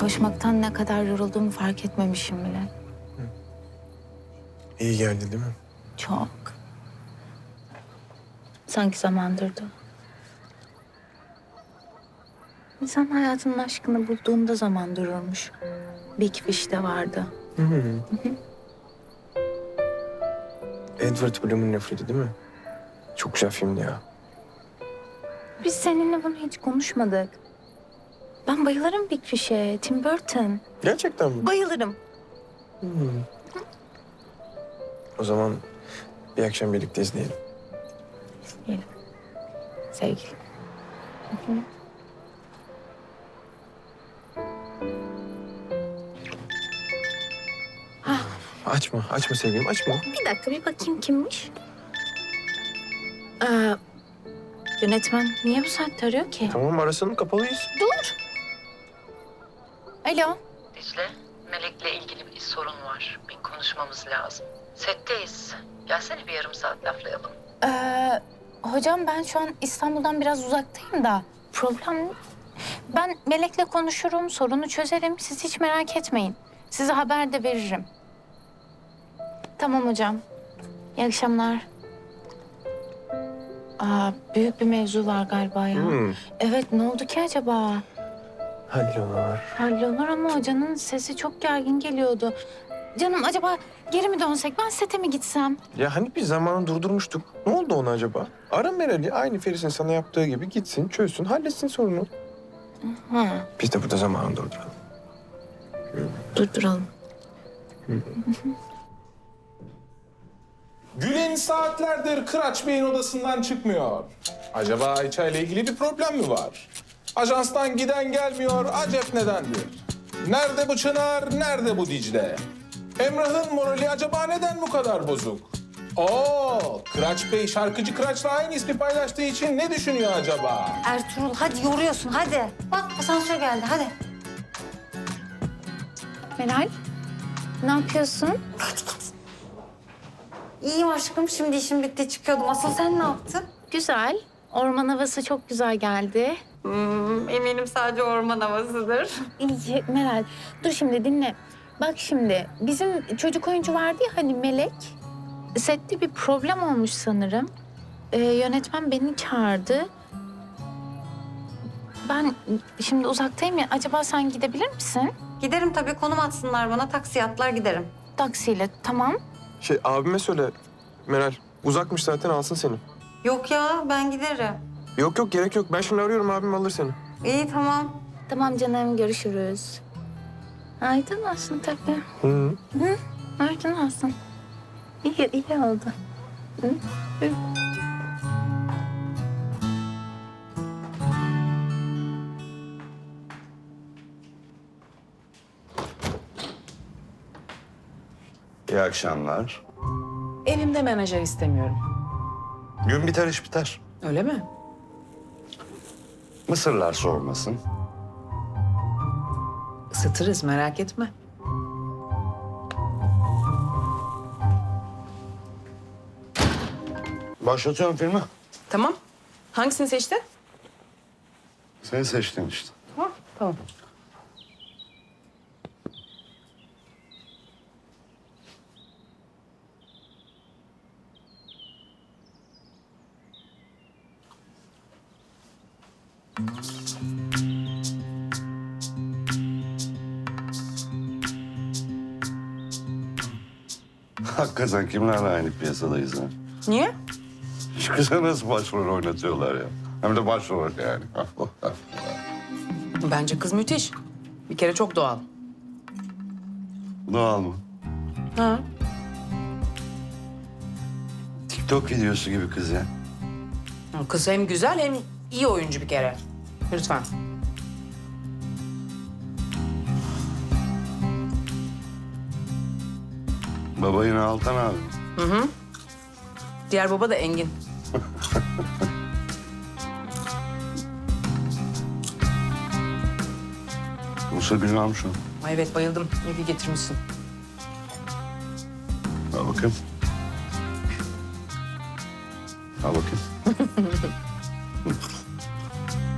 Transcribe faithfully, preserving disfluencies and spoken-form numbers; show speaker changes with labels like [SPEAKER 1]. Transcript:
[SPEAKER 1] koşmaktan ne kadar yorulduğumu fark etmemişim bile.
[SPEAKER 2] İyi geldi değil mi?
[SPEAKER 1] Çok. Sanki zaman durdu. İnsan hayatının aşkını bulduğunda zaman dururmuş. Big Fish de vardı.
[SPEAKER 2] Hı hı. Edward Bloom'un Nefreti değil mi? Çok güzel filmdi ya.
[SPEAKER 1] Biz seninle bunu hiç konuşmadık. Ben bayılırım Big Fish'e, Tim Burton.
[SPEAKER 2] Gerçekten mi?
[SPEAKER 1] Bayılırım.
[SPEAKER 2] Hı. O zaman bir akşam birlikte izleyelim.
[SPEAKER 1] Yiyelim. Sevgilim. Hı hı.
[SPEAKER 2] Açma, açma sevgilim, açma.
[SPEAKER 1] Bir dakika bir bakayım kimmiş? Ee, yönetmen niye bu saatte arıyor ki?
[SPEAKER 2] Tamam, arasın, kapalıyız.
[SPEAKER 1] Dur. Alo.
[SPEAKER 3] Dicle, Melek'le ilgili bir sorun var. Bir konuşmamız lazım. Setteyiz. Gelsene bir yarım saat laflayalım.
[SPEAKER 1] Ee, hocam ben şu an İstanbul'dan biraz uzaktayım da problem... Ben Melek'le konuşurum, sorunu çözerim. Siz hiç merak etmeyin. Size haber de veririm. Tamam hocam. İyi akşamlar. Aa, büyük bir mevzu var galiba ya.
[SPEAKER 2] Hmm.
[SPEAKER 1] Evet, ne oldu ki acaba?
[SPEAKER 2] Hallolur.
[SPEAKER 1] Hallolur ama hocanın sesi çok gergin geliyordu. Canım acaba geri mi dönsek? Ben sete mi gitsem?
[SPEAKER 2] Ya hani biz zamanı durdurmuştuk. Ne oldu ona acaba? Ara Meral'i, aynı Feris'in sana yaptığı gibi gitsin, çözsün, halletsin sorunu.
[SPEAKER 1] Ha,
[SPEAKER 2] Biz de burada zamanı durduralım.
[SPEAKER 1] durduralım.
[SPEAKER 4] Gülen saatlerdir Kıraç Bey'in odasından çıkmıyor. Acaba Ayça ile ilgili bir problem mi var? Ajanstan giden gelmiyor, acep nedendir? Nerede bu Çınar, nerede bu Dicle? Emrah'ın morali acaba neden bu kadar bozuk? Oo, Kıraç Bey şarkıcı Kıraç'la aynı ismi paylaştığı için ne düşünüyor acaba?
[SPEAKER 5] Ertuğrul hadi yoruyorsun hadi. Bak asansör geldi hadi.
[SPEAKER 1] Meral, ne yapıyorsun?
[SPEAKER 5] İyiyim aşkım şimdi işim bitti çıkıyordum. Asıl sen ne yaptın?
[SPEAKER 1] Güzel. Orman havası çok güzel geldi.
[SPEAKER 5] Hmm, eminim sadece orman havasıdır.
[SPEAKER 1] İyi Meral, dur şimdi dinle. Bak şimdi bizim çocuk oyuncu vardı ya hani Melek. Sette bir problem olmuş sanırım. Ee, yönetmen beni çağırdı. Ben şimdi uzaktayım ya. Acaba sen gidebilir misin?
[SPEAKER 5] Giderim tabii konum atsınlar bana taksi atlar giderim.
[SPEAKER 1] Taksiyle tamam.
[SPEAKER 2] Şey, abime söyle Meral. Uzakmış zaten, alsın seni.
[SPEAKER 5] Yok ya ben giderim.
[SPEAKER 2] Yok yok, gerek yok. Ben şimdi arıyorum, abim alır seni.
[SPEAKER 5] İyi tamam.
[SPEAKER 1] Tamam canım görüşürüz. Aydın olsun tabii.
[SPEAKER 2] Hı hı.
[SPEAKER 1] Hı? Aydın olsun. İyi, iyi oldu. Hı? Hı.
[SPEAKER 6] İyi akşamlar.
[SPEAKER 7] Evimde menajer istemiyorum.
[SPEAKER 6] Gün biter iş biter.
[SPEAKER 7] Öyle mi?
[SPEAKER 6] Mısırlar soğumasın.
[SPEAKER 7] Isıtırız merak etme.
[SPEAKER 6] Başlatıyorum filmi.
[SPEAKER 7] Tamam. Hangisini seçtin?
[SPEAKER 6] Seni seçtim işte.
[SPEAKER 7] Ha, tamam.
[SPEAKER 6] Hakikaten kimlerle aynı piyasadayız ha?
[SPEAKER 7] Niye?
[SPEAKER 6] Şu kıza nasıl başrol oynatıyorlar ya? Hem de başrol yani.
[SPEAKER 7] Bence kız müthiş. Bir kere çok doğal.
[SPEAKER 6] Doğal mı?
[SPEAKER 7] Ha.
[SPEAKER 6] TikTok videosu gibi kız ya.
[SPEAKER 7] Kız hem güzel hem iyi oyuncu bir kere. Lütfen.
[SPEAKER 6] Baba yine Altan abi.
[SPEAKER 7] Hı hı. Diğer baba da Engin.
[SPEAKER 6] Musa bilmem şu.
[SPEAKER 7] Ay evet bayıldım. İyi ki getirmişsin.